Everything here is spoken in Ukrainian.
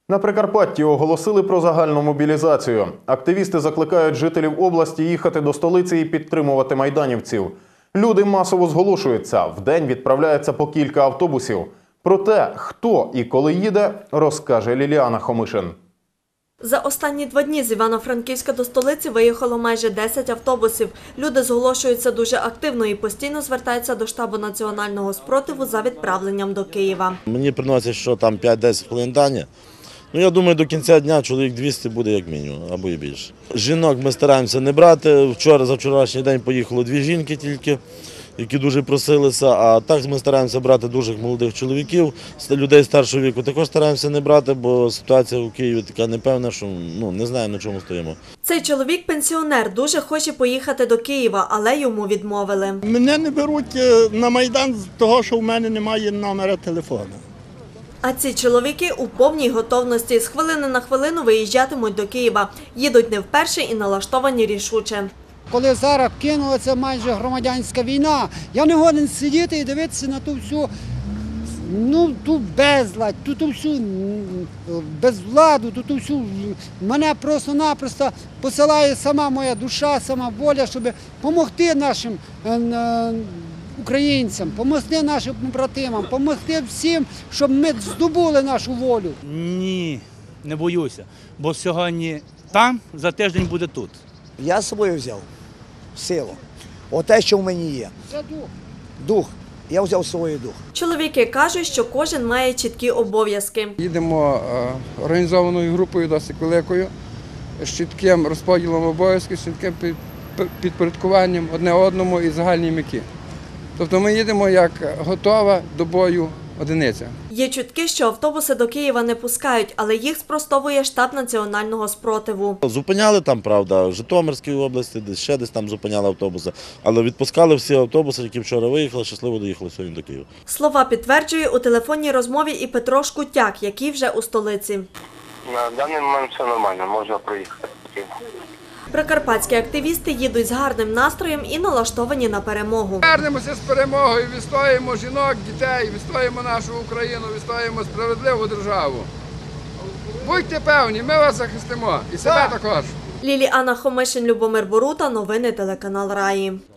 На Прикарпатті оголосили про загальну мобілізацію. Активісти закликають жителів області їхати до столиці і підтримувати майданівців. Люди масово зголошуються. Вдень відправляється по кілька автобусів. Про те, хто і коли їде, розкаже Ліліана Хомишин. За останні 2 дні з Івано-Франківська до столиці виїхало майже 10 автобусів. Люди зголошуються дуже активно і постійно звертаються до штабу національного спротиву за відправленням до Києва. Мені приносять, що там 5-10 хвилин дані. Я думаю, до кінця дня чоловік 200 буде як мінімум, або і більше. Жінок ми стараємося не брати. За вчорашній день поїхало 2 жінки тільки, які дуже просилися. А так ми стараємося брати дуже молодих чоловіків, людей старшого віку також стараємося не брати, бо ситуація у Києві така непевна, що не знаємо, на чому стоїмо. Цей чоловік – пенсіонер, дуже хоче поїхати до Києва, але йому відмовили. Мене не беруть на Майдан з того, що в мене немає номера телефону. А ці чоловіки у повній готовності. З хвилини на хвилину виїжджатимуть до Києва. Їдуть не вперше і налаштовані рішуче. Коли зараз кинулася майже громадянська війна, я не годен сидіти і дивитися на ту всю, ту безладь, ту всю безвладу, ту всю, мене просто-напросто посилає сама моя душа, сама воля, щоб допомогти нашим українцям, допомогти нашим братимам, допомогти всім, щоб ми здобули нашу волю. Ні, не боюся, бо сьогодні там, за тиждень буде тут. Я з собою взяв силу. Оте, що в мені є. Це дух. Дух. Я взяв з собою дух. Чоловіки кажуть, що кожен має чіткі обов'язки. Їдемо організованою групою, досить великою, з чітким розподілом обов'язків, з чітким підпорядкуванням одне одному і загальній меті. Тобто ми їдемо як готова до бою одиниця. Є чутки, що автобуси до Києва не пускають, але їх спростовує штаб національного спротиву. Зупиняли там, правда, в Житомирській області, ще десь там зупиняли автобуси, але відпускали всі автобуси, які вчора виїхали, щасливо доїхали сьогодні до Києва. Слова підтверджує у телефонній розмові і Петро Шкутяк, який вже у столиці. На даний момент все нормально, можна проїхати. Прикарпатські активісти їдуть з гарним настроєм і налаштовані на перемогу. Вернемося з перемогою, відстоїмо жінок, дітей, відстоїмо нашу Україну, відстоїмо справедливу державу. Будьте певні, ми вас захистимо і себе також. Ліліана Хомишин, Любомир Борута, новини телеканал Раї.